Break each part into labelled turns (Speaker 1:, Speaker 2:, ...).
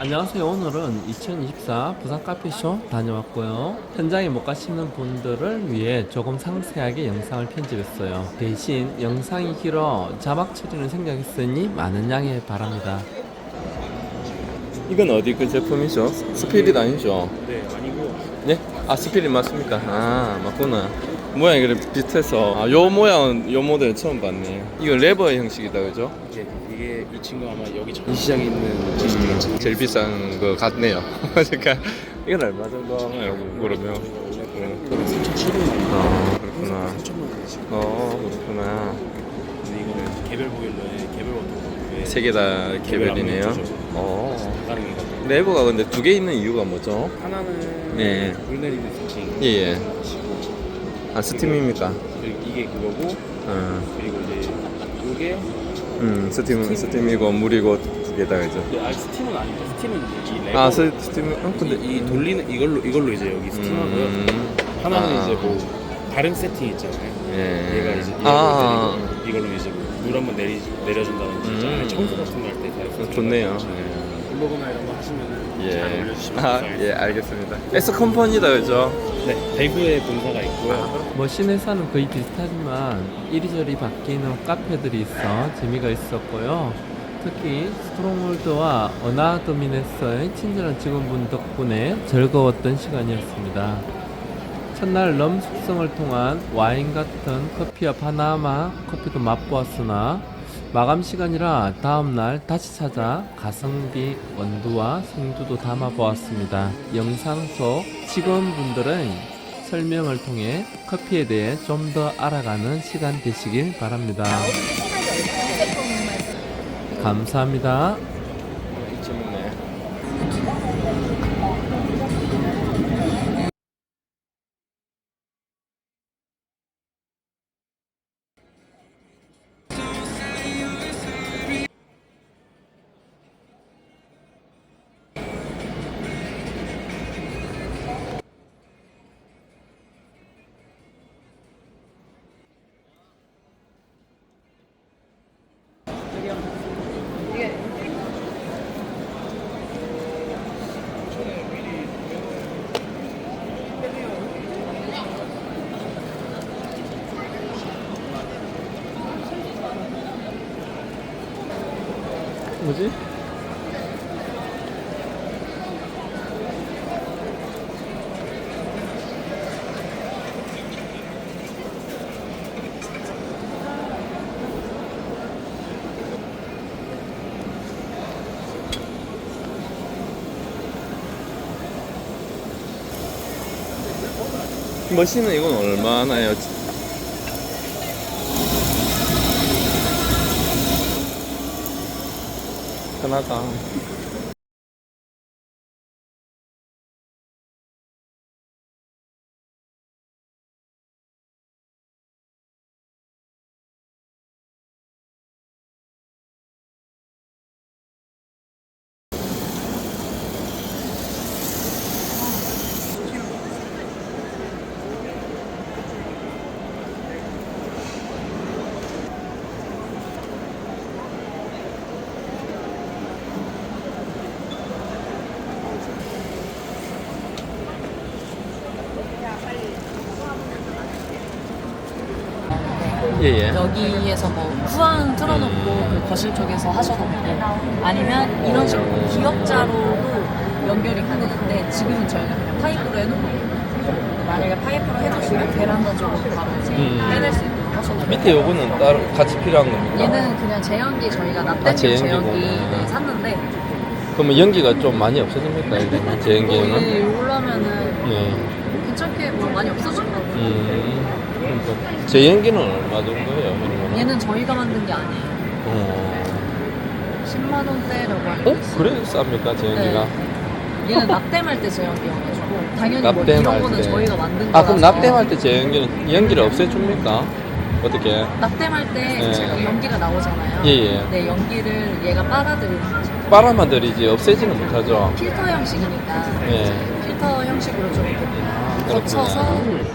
Speaker 1: 안녕하세요. 오늘은 2024 부산 카페쇼 다녀왔고요. 현장에 못 가시는 분들을 위해 조금 상세하게 영상을 편집했어요. 대신 영상이 길어 자막 처리는 생략했으니 많은 양해 바랍니다. 이건 어디 그 제품이죠? 스피릿 아니죠?
Speaker 2: 네, 아니고.
Speaker 1: 네? 아, 스피릿 맞습니까? 아, 맞구나. 모양이 그래 비슷해서. 아, 요 모양은 요 모델 처음 봤네. 이거 레버 형식이다, 그죠?
Speaker 2: 이게 이 친구 아마 여기 전시장에 있는 제시되겠지.
Speaker 1: 제일 비싼 거 같네요. 그러니까 이건 얼마 정도 하나요? 그러면?
Speaker 2: 3,700원.
Speaker 1: 아, 그렇구나.
Speaker 2: 3,000원 원이지.
Speaker 1: 그렇구나.
Speaker 2: 근데 이거는 개별 보일러에 개별 워터펌프에
Speaker 1: 세 개 다 개별이네요.
Speaker 2: 가능해가지고.
Speaker 1: 레버가 근데 두 개 있는 이유가 뭐죠?
Speaker 2: 하나는
Speaker 1: 네.
Speaker 2: 물 내리는 세팅.
Speaker 1: 예.
Speaker 2: 시고
Speaker 1: 아, 스팀입니까?
Speaker 2: 그리고 이게 그거고. 그리고 이제 이게
Speaker 1: 스팀이고 물이고 두 개다, 그죠?
Speaker 2: 스팀은 아니죠. 스팀은 이제 이 레버.
Speaker 1: 아, 스팀, 근데
Speaker 2: 이 돌리는 이걸로 이제 여기 스팀하고요. 하나는 이제 뭐 다른 세팅 있잖아요.
Speaker 1: 예.
Speaker 2: 얘가 이제 이걸로 이제 물 한번 내려준다든지 안에 청소 같은 거 할 때 다
Speaker 1: 좋네요.
Speaker 2: 블로그나 이런 거 하시면은 잘 올려주시면
Speaker 1: 아,
Speaker 2: 감사하겠습니다.
Speaker 1: 예, 알겠습니다. S 컴퍼니다, 그죠?
Speaker 2: 네, 대구에 본사가 있고요.
Speaker 1: 뭐 시내사는 거의 비슷하지만 이리저리 바뀌는 카페들이 있어 재미가 있었고요. 특히 스트롱홀드와 어나더미네스의 친절한 직원분 덕분에 즐거웠던 시간이었습니다. 첫날 럼 숙성을 통한 와인 같은 커피와 파나마 커피도 맛보았으나 마감 시간이라 다음날 다시 찾아 가성비 원두와 생두도 담아보았습니다. 영상 속 직원분들의 설명을 통해 커피에 대해 좀 더 알아가는 시간 되시길 바랍니다. 감사합니다. 뭐지? 머신은 이건 얼마나요? 편하다. 예예.
Speaker 3: 여기에서 뭐 후안 틀어놓고 그 거실 쪽에서 하셔도 되고 아니면 이런 식으로 기역자로도 연결이 가능한데 지금은 저희가 그냥 파이프로 해놓고 있거든요. 만약에 파이프로 해주시면 베란다 쪽으로 바로 이제 빼낼 수 있도록 하셔도 되고
Speaker 1: 밑에 요거는 따로 같이 필요한 겁니까?
Speaker 3: 얘는 그냥 제연기 저희가 납땜용
Speaker 1: 제연기고.
Speaker 3: 제연기 네, 샀는데
Speaker 1: 그러면 연기가 좀 많이 없어집니까? 이러면 제연기는?
Speaker 3: 거의 올라면은
Speaker 1: 네.
Speaker 3: 괜찮게 뭐 많이 없어질 것 같아요.
Speaker 1: 그러니까 제연기는 얼마 정도예요? 그러면?
Speaker 3: 얘는 저희가 만든 게 아니에요.
Speaker 1: 어.
Speaker 3: 10만 원대라고 알고
Speaker 1: 어?
Speaker 3: 있어요.
Speaker 1: 그래 쌉니까 제연기가?
Speaker 3: 얘는 납땜할 때 제연기여가지고 당연히 뭐
Speaker 1: 납땜할
Speaker 3: 이런 거는
Speaker 1: 때.
Speaker 3: 저희가 만든
Speaker 1: 아
Speaker 3: 거라서
Speaker 1: 그럼 납땜할 때 제연기는 연기를 없애줍니까? 어떻게?
Speaker 3: 납땜할 때
Speaker 1: 네.
Speaker 3: 제가 연기가 나오잖아요.
Speaker 1: 예예.
Speaker 3: 네, 연기를 얘가 빨아들이는 거죠.
Speaker 1: 빨아만 들이지 없애지는 못하죠.
Speaker 3: 필터 형식이니까
Speaker 1: 예.
Speaker 3: 이제 필터 형식으로 좀 이렇게
Speaker 1: 그렇구나.
Speaker 3: 거쳐서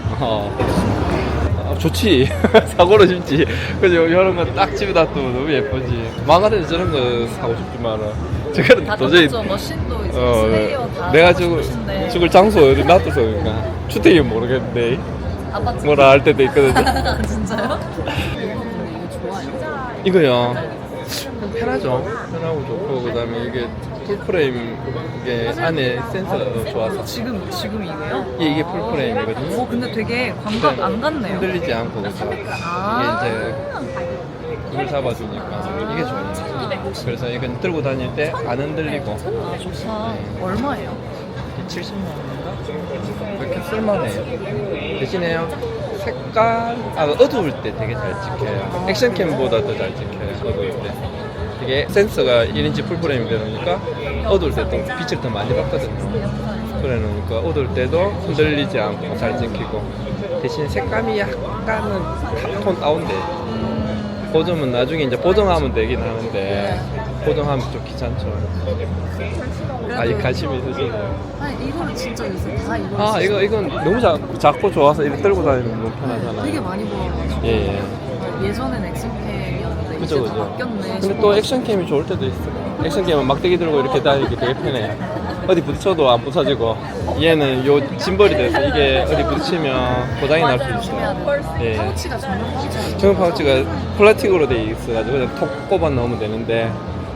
Speaker 1: 좋지. 사고로 싶지. 그죠? 이런 거 딱 집에다 두면 너무 예쁘지. 망가져서 저런 거 사고 싶지만은 저거는
Speaker 3: 다
Speaker 1: 도저히
Speaker 3: 똑같죠. 머신도 이제 슬레이어 다
Speaker 1: 내가
Speaker 3: 하고 싶으신데.
Speaker 1: 죽을 장소 어디 놔둬서 그러니까 주택이 모르겠는데
Speaker 3: 아파트.
Speaker 1: 뭐라 할 때도 있거든요.
Speaker 3: 진짜요? 이거 근데 이거 좋아요.
Speaker 1: 이거요. 편하죠. 편하고 좋고 그다음에 이게 풀프레임 이게 안에 센서도 좋아서
Speaker 3: 지금 이거요?
Speaker 1: 이게 풀프레임이거든요.
Speaker 3: 근데 되게 광각 안 같네요.
Speaker 1: 흔들리지 않고 그죠.
Speaker 3: 아.
Speaker 1: 이게 이제 물을 잡아주니까 이게 좋아요. 그래서 이건 들고 다닐 때 안 흔들리고
Speaker 3: 아 좋다. 얼마예요?
Speaker 1: 70만 원인가? 그렇게 쓸만해요. 대신에요. 색깔 어두울 때 되게 잘 찍혀요. 액션캠보다 더 잘 찍혀요. 어두울 때. 이게 센서가 1인치 풀프레임이 되니까 어두울 때 또 빛을 더 많이 받거든요. 그래 놓으니까 어두울 때도 흔들리지 않고 잘 찍히고 대신 색감이 약간은 탑톤 다운돼요. 보정은 나중에 이제 보정하면 되긴 하는데 보정하면 좀 귀찮죠. 이 관심이 있으시네요.
Speaker 3: 아니 이거는 진짜 요새 다 이거.
Speaker 1: 이건 너무 작고 좋아서 이렇게 들고 다니면 너무 편하잖아요.
Speaker 3: 되게 많이 보여가지고.
Speaker 1: 예.
Speaker 3: 예전엔 액션캠이었는데 이제
Speaker 1: 그죠.
Speaker 3: 다 바뀌었네.
Speaker 1: 근데
Speaker 3: 싶어가지고.
Speaker 1: 또 액션캠이 좋을 때도 있어요. 액션캠은 막대기 들고 이렇게 다니기 되게 편해요. 어디 부딪혀도 안 부서지고 얘는 요 짐벌이 돼서 이게 어디 부딪히면 고장이 날 수
Speaker 3: 조심해야
Speaker 1: 있어요.
Speaker 3: 돼.
Speaker 1: 예.
Speaker 3: 파우치가 전용 파우치가.
Speaker 1: 정형 파우치가 플라스틱으로 돼 있어가지고 그냥 톡 꼽아 넣으면 되는데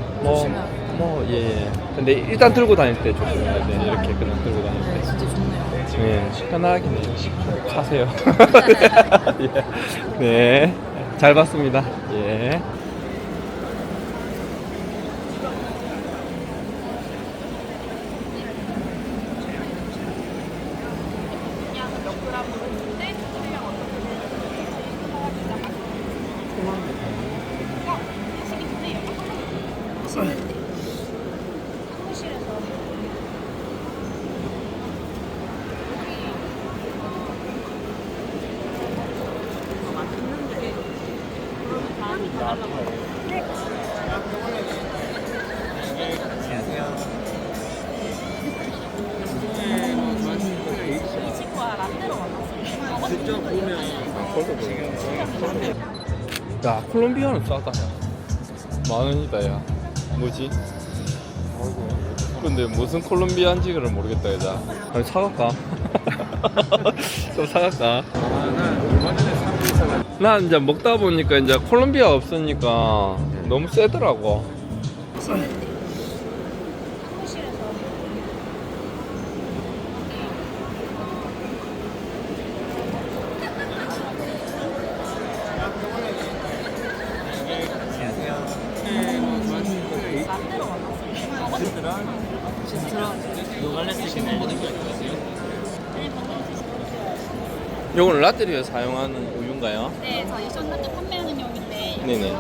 Speaker 1: 예. 근데 일단 들고 다닐 때 조심해야 돼. 이렇게 그냥 들고 다닐
Speaker 3: 네,
Speaker 1: 때.
Speaker 3: 진짜 좋네요.
Speaker 1: 예, 편하긴 해요. 사세요. 예. 네, 잘 봤습니다. 예. 야, 콜롬비아는 싸다. 야. 10,000원이다, 야. 뭐지? 근데 무슨 콜롬비아인지를 모르겠다, 여자. 아니, 사갈까? 좀 사갈까? 난 이제 먹다 보니까 이제 콜롬비아 없으니까 너무 세더라고. 요거는 라떼리에 사용하는 우유인가요?
Speaker 4: 네, 저희 션나트 판매하는 용인데
Speaker 1: 네네.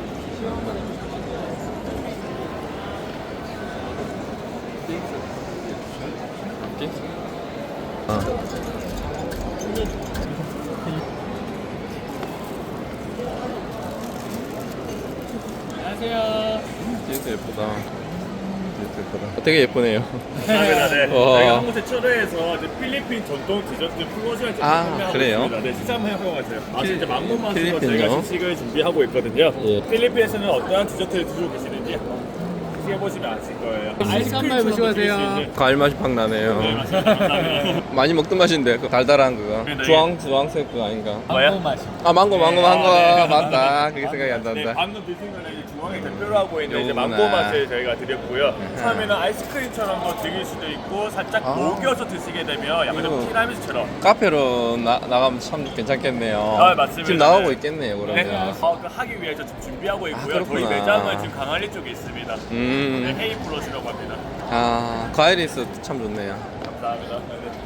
Speaker 2: 안녕하세요.
Speaker 1: 진짜 예쁘다. 되게 예쁘네요.
Speaker 2: 감사합니다. 네.
Speaker 1: 와.
Speaker 2: 저희가 한 곳에 초대해서 이제 필리핀 전통 디저트 플로즈를 판매하고
Speaker 1: 그래요?
Speaker 2: 있습니다. 네, 식사 한번 해보세요. 진짜 망고 맛으로
Speaker 1: 필리핀요?
Speaker 2: 저희가 시식을 준비하고 있거든요.
Speaker 1: 예.
Speaker 2: 필리핀에서는 어떠한 디저트를 드시고 계시는지 시해보시면 아실 거예요.
Speaker 5: 한번 해보시고
Speaker 2: 드실 수
Speaker 5: 하세요.
Speaker 2: 있는
Speaker 1: 과일 맛이 팍 나네요.
Speaker 2: 네, 맞습니다. 감사합니다.
Speaker 1: 많이 먹던 맛인데 그 달달한 그거.
Speaker 2: 네, 네.
Speaker 1: 주황색 그거 아닌가?
Speaker 2: 뭐야?
Speaker 5: 맛이.
Speaker 1: 망고
Speaker 2: 네,
Speaker 1: 맞다. 그게 생각이 안
Speaker 2: 네,
Speaker 1: 난다.
Speaker 2: 방금 드신 거는 이제 중앙에 대표로 하고 있는 이제
Speaker 1: 요거구나.
Speaker 2: 망고 맛을 저희가 드렸고요. 처음에는 아이스크림처럼도 즐길 수도 있고 살짝 녹여서 드시게 되면 약간 좀
Speaker 1: 이거.
Speaker 2: 티라미수처럼.
Speaker 1: 카페로 나가면 참 괜찮겠네요.
Speaker 2: 맞습니다.
Speaker 1: 지금 나오고
Speaker 2: 네.
Speaker 1: 있겠네요,
Speaker 2: 네,
Speaker 1: 그러면.
Speaker 2: 그 하기 위해서 지금 준비하고 있고요. 저희
Speaker 1: 그렇구나.
Speaker 2: 매장은 지금 강한리 쪽에 있습니다. 네,
Speaker 1: 음.
Speaker 2: 헤이 플러스라고 합니다.
Speaker 1: 과일이 있어 참 좋네요.
Speaker 2: 감사합니다.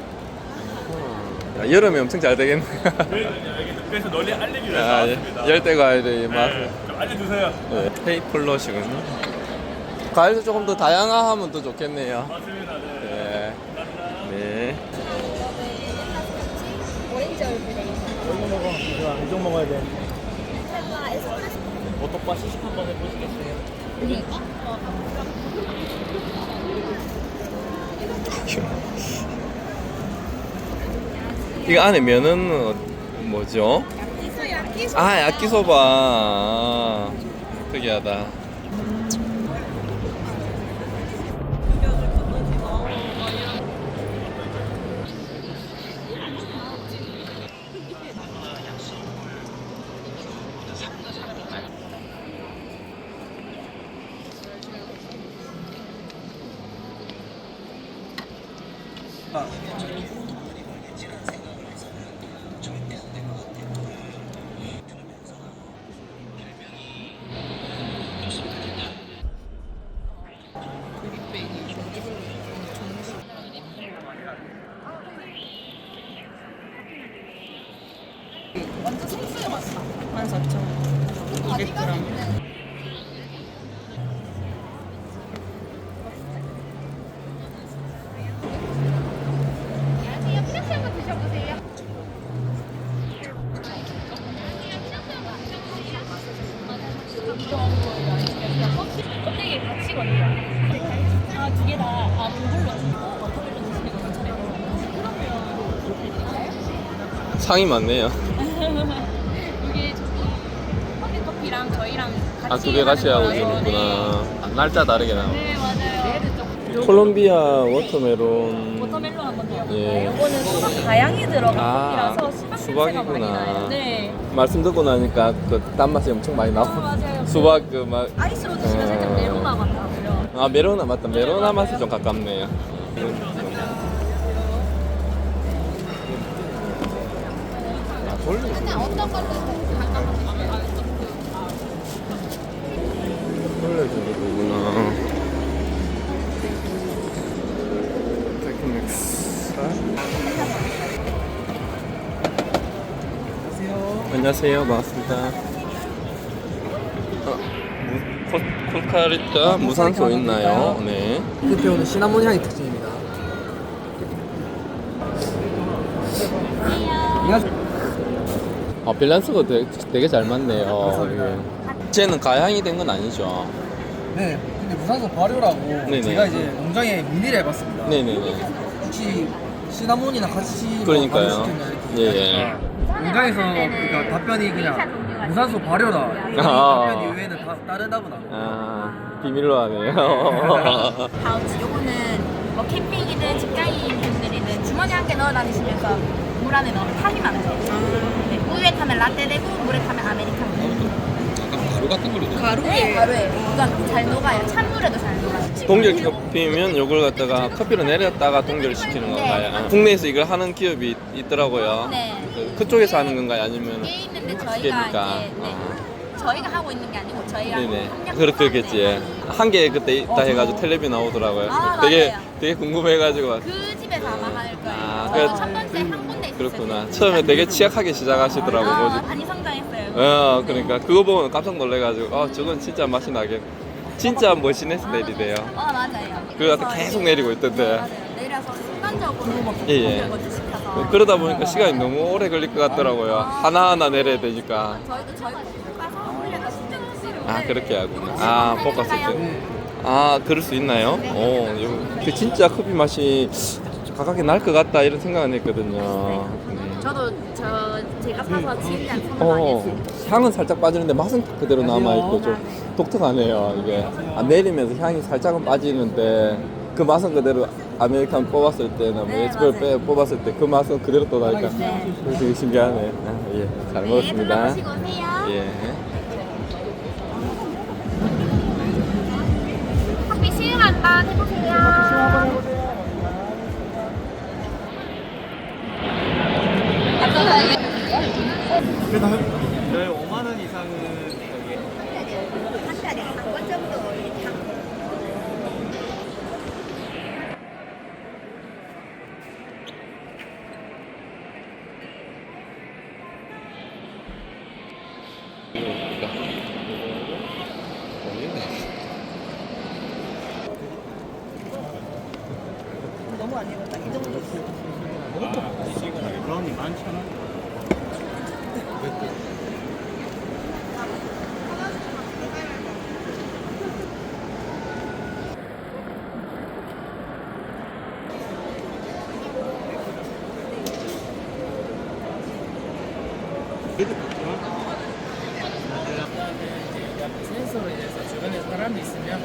Speaker 2: 네.
Speaker 1: 야, 여름에 엄청 잘 되겠네.
Speaker 2: 그래서 널리 알리기 위해서
Speaker 1: 야,
Speaker 2: 나왔습니다.
Speaker 1: 열대 과일의 맛.
Speaker 2: 네, 좀 알려주세요.
Speaker 1: 페이플러시군요. 과일도 조금 더 다양화하면 더 좋겠네요.
Speaker 2: 맞습니다. 네.
Speaker 1: 네. 네.
Speaker 4: 오렌지 얼굴에
Speaker 5: 이쪽 먹어야 돼.
Speaker 4: 텔라 에스프레소
Speaker 2: 오토바 시식 한번 해보시겠어요?
Speaker 1: 이거 안에 면은 뭐죠?
Speaker 4: 야끼소
Speaker 1: 야끼소바. 특이하다.
Speaker 3: 완전 생수의 맛이다. 14,200g.
Speaker 4: 안녕하세요. 피자스 한번 드셔보세요.
Speaker 3: 껍데기 같이거든요. 아, 두 개 다. 아, 그걸로. 버터밀로 드시는 거 괜찮아요.
Speaker 1: 상이 많네요.
Speaker 3: 이게 저기 커피랑 저희랑 같이
Speaker 1: 아, 두 개 같이 하고
Speaker 3: 하는 거라서.
Speaker 1: 있구나. 날짜 다르게 나와.
Speaker 3: 네, 맞아요.
Speaker 1: 콜롬비아 워터멜론.
Speaker 3: 워터멜론 한번 더요.
Speaker 1: 예.
Speaker 3: 이거는 수박 다양히 들어간
Speaker 1: 아,
Speaker 3: 커피라서 수박
Speaker 1: 수박이구나.
Speaker 3: 냄새가 많이 나요. 네.
Speaker 1: 말씀 듣고 나니까 그 단맛이 엄청 많이 나고.
Speaker 3: 맞아요.
Speaker 1: 수박 그 맛.
Speaker 3: 아이스로 드시면 살짝 메로나 같아요.
Speaker 1: 아, 메로나 맞다. 메로나 맛이 좀 가깝네요. 아, 돌려.
Speaker 4: 어떤 걸로
Speaker 1: 돌려주는 거구나. 테크닉스. 안녕하세요. 반갑습니다. 콜카리타 무산소 있나요? 네.
Speaker 5: 대표는 시나몬 향이 특징입니다.
Speaker 1: 밸런스가 되게 잘 맞네요. 이게. 쟤는 가향이 된 건 아니죠?
Speaker 5: 네, 근데 무산소 발효라고
Speaker 1: 네네.
Speaker 5: 제가 이제 농장에 문의를 해봤습니다.
Speaker 1: 네네네.
Speaker 5: 혹시 시나몬이나 같이 뭐
Speaker 1: 그러니까요.
Speaker 5: 발효시켰나 이렇게.
Speaker 1: 예.
Speaker 5: 농장에서 그러니까 답변이 그냥 무산소 발효다. 이
Speaker 1: 아.
Speaker 5: 답변 이외에는 다 다르다고 나와요.
Speaker 1: 아, 비밀로 하네요.
Speaker 6: 파우치 요거는 뭐 캠핑이든 직장인 분들이든 주머니 한 개 넣어 다니시면서 물 안에 넣으면 탑이 많아요. 네, 우유에 타면 라떼 되고 물에 타면 아메리카노 되고.
Speaker 1: 가루 같은 걸로
Speaker 6: 네, 가루에 이건 잘 녹아요. 찬물에도 잘 녹아요.
Speaker 1: 동결 커피면 요걸 갖다가 커피로 내렸다가 동결을 시키는 건가요? 아, 국내에서 이걸 하는 기업이 있더라고요.
Speaker 6: 네.
Speaker 1: 그쪽에서 하는 건가요? 아니면
Speaker 6: 이게 있는데 저희가
Speaker 1: 기계니까?
Speaker 6: 이제 네, 저희가 하고 있는 게 아니고 저희랑
Speaker 1: 네네.
Speaker 6: 협력
Speaker 1: 그렇겠지. 예. 한 개 그때 있다 해가지고 텔레비 나오더라고요.
Speaker 6: 아,
Speaker 1: 되게
Speaker 6: 맞아요.
Speaker 1: 되게 궁금해가지고.
Speaker 6: 그 집에서 아마 할 거예요.
Speaker 1: 아,
Speaker 6: 저희도
Speaker 1: 그래.
Speaker 6: 첫 번째 한 군데 있었어요.
Speaker 1: 그렇구나. 처음에 되게 취약하게 시작하시더라고. 뭐지?
Speaker 6: 많이 성장했어요.
Speaker 1: 그러니까 그거 보면 깜짝 놀래가지고 저건 진짜 맛이 나게 진짜 머신에서 내리대요.
Speaker 6: 맞아요.
Speaker 1: 그래서 계속 내리고 있던데.
Speaker 6: 맞아요. 내려서 순간적으로
Speaker 1: 예, 예.
Speaker 6: 먼저 시켜서
Speaker 1: 그러다 보니까 시간이 너무 오래 걸릴 것 같더라고요. 하나하나 내려야 되니까.
Speaker 6: 저희도 볶아서 올려서 시켜주시고.
Speaker 1: 아, 그렇게 하구나. 아, 볶았을 때. 아, 그럴 수 있나요? 그 진짜 커피 맛이 가깝게 날 것 같다 이런 생각은 했거든요.
Speaker 6: 저도 제가 사서 진짜 선호 많이 했어요.
Speaker 1: 향은 살짝 빠지는데 맛은 그대로 남아있고 좀 독특하네요. 이게 내리면서 향이 살짝은 빠지는데 그 맛은 그대로 아메리칸 뽑았을 때나 뭐
Speaker 6: 네,
Speaker 1: 에스프레소 뽑았을 때 그 맛은 그대로 또 나니까 그래서 되게 신기하네. 아, 예, 잘 먹었습니다.
Speaker 6: 들어보시고 오세요.
Speaker 1: 예.
Speaker 6: 커피 시음 한번 해보세요.
Speaker 5: 저희 5만 원 이상은 브라우니 11,000원. 센서로 인해서 주변에 사람이 있으면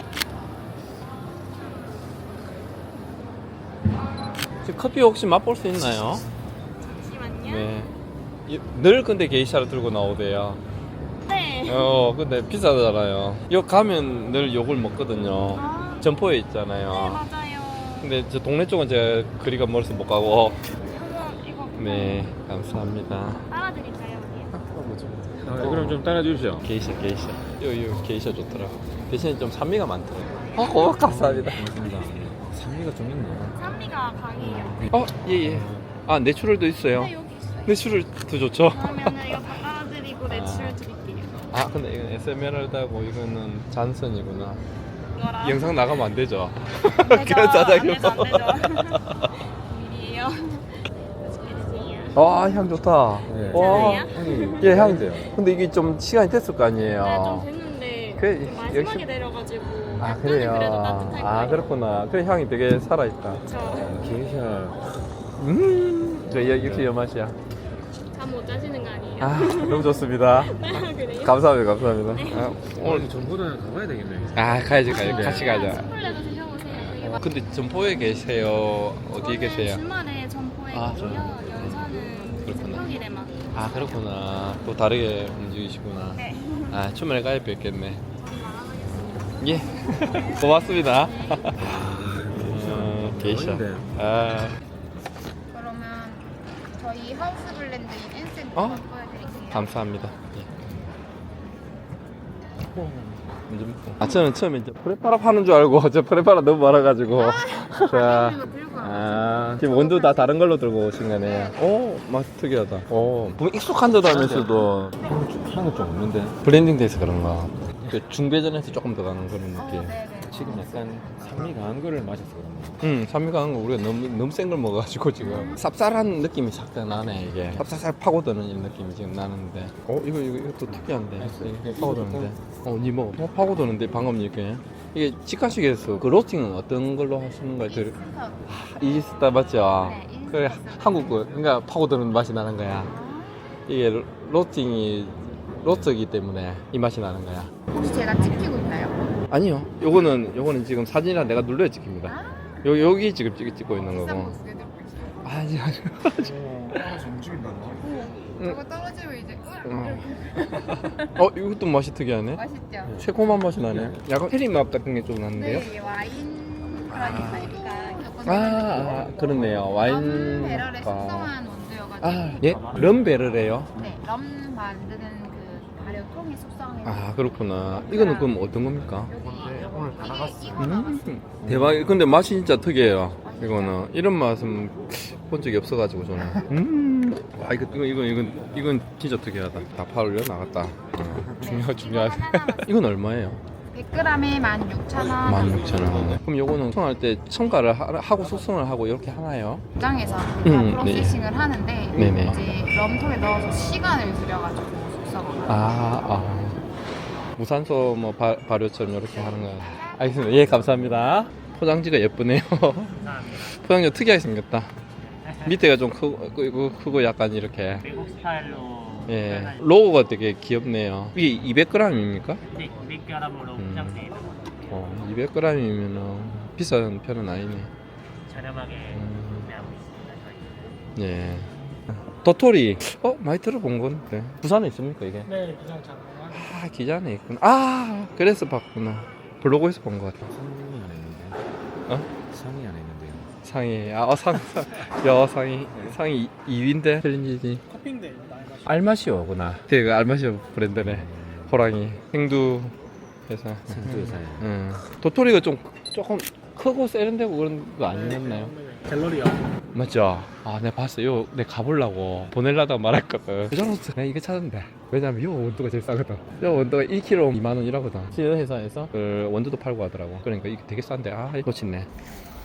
Speaker 1: 커피 혹시 맛볼 수 있나요?
Speaker 6: 잠시만요.
Speaker 1: 네. 늘 근데 게이샤를 들고 나오대요.
Speaker 6: 네.
Speaker 1: 근데 비싸잖아요. 여기 가면 늘 요걸 먹거든요.
Speaker 6: 아.
Speaker 1: 점포에
Speaker 6: 네,
Speaker 1: 있잖아요.
Speaker 6: 맞아요.
Speaker 1: 근데 저 동네 쪽은 제가 거리가 멀어서 못 가고. 네, 감사합니다.
Speaker 6: 따라드릴까요?
Speaker 5: 그럼 좀 따라주시죠.
Speaker 1: 게이샤. 요 게이샤 좋더라고. 대신에 좀 산미가 많더라고. 감사합니다.
Speaker 5: 산미가 좀 있네요.
Speaker 6: 산미가 강해요.
Speaker 1: 예. 아, 내추럴도 있어요.
Speaker 6: 네, 여기 있어요.
Speaker 1: 내추럴도 좋죠.
Speaker 6: 그러면은 이거 다 따라드리고 내추럴 드릴게요.
Speaker 1: 아, 근데 이건 에메랄드하고 이거는 잔선이구나.
Speaker 6: 이거랑
Speaker 1: 영상 나가면 안 되죠?
Speaker 6: 안 되죠.
Speaker 1: 그런 짜장면.
Speaker 6: 안 되죠. 비밀이에요. 맛있게 드세요.
Speaker 1: 와, 향 좋다.
Speaker 5: 네.
Speaker 1: 와,
Speaker 6: 괜찮아요?
Speaker 1: 예, 향.
Speaker 5: 돼요.
Speaker 1: 근데 이게 좀 시간이 됐을 거 아니에요.
Speaker 6: 네, 좀 됐는데
Speaker 1: 그,
Speaker 6: 좀 마지막에
Speaker 1: 역시-
Speaker 6: 내려가지고
Speaker 1: 아,
Speaker 6: 약간은
Speaker 1: 그래요.
Speaker 6: 그래도 따뜻할 거예요.
Speaker 1: 아, 그렇구나. 그래, 향이 되게 살아있다.
Speaker 6: 저
Speaker 5: 게이샤.
Speaker 1: 역시 여 맛이야.
Speaker 6: 잠 못 자시는 거 아니에요?
Speaker 1: 아, 너무 좋습니다.
Speaker 6: 그래요?
Speaker 1: 감사합니다. 아,
Speaker 5: 오늘 전보다 가봐야 되겠네.
Speaker 1: 아, 가야지. 같이 가자.
Speaker 6: 스플레도 드셔보세요. 되게 맛-
Speaker 1: 근데 점포에 계세요? 어디에 계세요?
Speaker 6: 저는 주말에 점포에
Speaker 1: 아,
Speaker 6: 있고요. 연차는
Speaker 1: 그렇구나.
Speaker 6: 평일에만.
Speaker 1: 아, 그렇구나. 또 다르게 움직이시구나.
Speaker 6: 네.
Speaker 1: 아, 주말에 가야 뵙겠네. 예. 고맙습니다. 게이샤.
Speaker 5: 어딘데?
Speaker 1: 아,
Speaker 4: 그러면 저희 하우스 블렌드 인센트
Speaker 1: 어?
Speaker 4: 보여드릴게요.
Speaker 1: 감사합니다. 예. 먼저 먹고. 아, 저는 처음에 이제 프레파라 파는 줄 알고 저 프레파라 너무 많아가지고. 자, 지금 원두 다 다른 걸로 들고 오신 거네요. 오, 맛 특이하다. 오, 보면 익숙한 듯 하면서도
Speaker 5: 향이 좀 없는데.
Speaker 1: 블렌딩 돼서 그런가. 그 중배전에서 조금 더 가는 그런 느낌.
Speaker 5: 지금 약간 산미 강한 거를 마셔서 그런가.
Speaker 1: 산미 강한 거 우리가 너무 센 걸 먹어가지고 지금 쌉쌀한 느낌이 싹 나네 이게. 쌉쌀 파고드는 이런 느낌이 지금 나는데. 이것도 특이한데. 이게 파고드는데. 니 뭐? 파고드는데 방금 이게 직화식에서 그 로스팅은 어떤 걸로 하시는 거예요? 이지스타 맞죠?
Speaker 4: 네, 이지스타.
Speaker 1: 그래 한국 거 그러니까 파고드는 맛이 나는 거야. 이게 로스팅이 로스트이기 때문에 이 맛이 나는 거야.
Speaker 4: 혹시 제가 찍히고 있나요?
Speaker 1: 아니요. 요거는 지금 사진이랑 내가 눌러야 찍힙니다. 여기 지금 찍고 있는
Speaker 4: 비싼
Speaker 1: 거고.
Speaker 4: 모습 들고 있어요.
Speaker 1: 아니.
Speaker 5: 하나씩 움직인다는데.
Speaker 4: 이거 떨어지면 이제
Speaker 1: 이것도 맛이 특이하네.
Speaker 4: 맛있죠?
Speaker 1: 새콤한 맛이 나네. 약간 체리 맛 같은 게 좀 나는데요.
Speaker 4: 네, 와인 그러니까
Speaker 1: 그렇네요. 와인.
Speaker 4: 배럴에 숙성한 원두여가지고
Speaker 1: 예? 럼베르래요.
Speaker 4: 네, 럼 만드는 그 발효통에 숙성해서
Speaker 1: 아, 그렇구나. 이거는 그럼 어떤 겁니까?
Speaker 5: 오늘 다 나갔어.
Speaker 1: 대박. 근데 맛이 진짜 특이해요. 이거는 이런 맛은 본 적이 없어가지고 저는. 와, 이건 진짜 특이하다. 다 팔려 나갔다. 중요하지. 이건 얼마예요?
Speaker 4: 100g에 16,000원
Speaker 1: 16,000원. 그럼 요거는 숙성할 때 첨가를 하고 숙성을 하고 이렇게 하나요?
Speaker 4: 공장에서
Speaker 1: 네.
Speaker 4: 프로세싱을 하는데
Speaker 1: 네네.
Speaker 4: 이제 럼통에 넣어서 시간을 들여가지고 숙성을 하고
Speaker 1: 무산소 뭐 발효처럼 이렇게 하는 거예요. 알겠습니다. 예, 감사합니다. 포장지가 예쁘네요. 포장지가 특이하게 생겼다. 밑에가 좀 크고 약간 이렇게.
Speaker 7: 외국 스타일로
Speaker 1: 예. 로고가 되게 귀엽네요. 이게 200g입니까?
Speaker 7: 네, 200g으로 포장되어 있는 거
Speaker 1: 200g이면은 비싼 편은 아니네.
Speaker 7: 저렴하게 구매하고 있습니다. 저희.
Speaker 1: 예. 도토리. 많이 들어본 건데. 부산에 있습니까, 이게?
Speaker 7: 네, 기장 장관.
Speaker 1: 기장에 있구나. 그래서 봤구나. 블로그에서 본 것 같아.
Speaker 5: 상이 안 했는데.
Speaker 1: 어?
Speaker 5: 상이 안 했는데요.
Speaker 1: 상이. 상이 2위인데 챌린지지.
Speaker 7: 커피인데
Speaker 1: 알마시오구나. 그 알마시오 브랜드네. 호랑이. 생두 회사.
Speaker 5: 생두회사에.
Speaker 1: 도토리가 조금 크고 세련되고 그런 거 아니었나요?
Speaker 7: 갤러리아.
Speaker 1: 맞죠? 내가 봤어요. 내가 가보려고 보내려다가 말했거든. 그전부터 내가 이거 찾았는데. 왜냐면 요 원두가 제일 싸거든. 요 원두가 1kg 2만원 이라거든. 시연 회사에서 그 원두도 팔고 하더라고. 그러니까 이게 되게 싼데 이거 놓쳤네.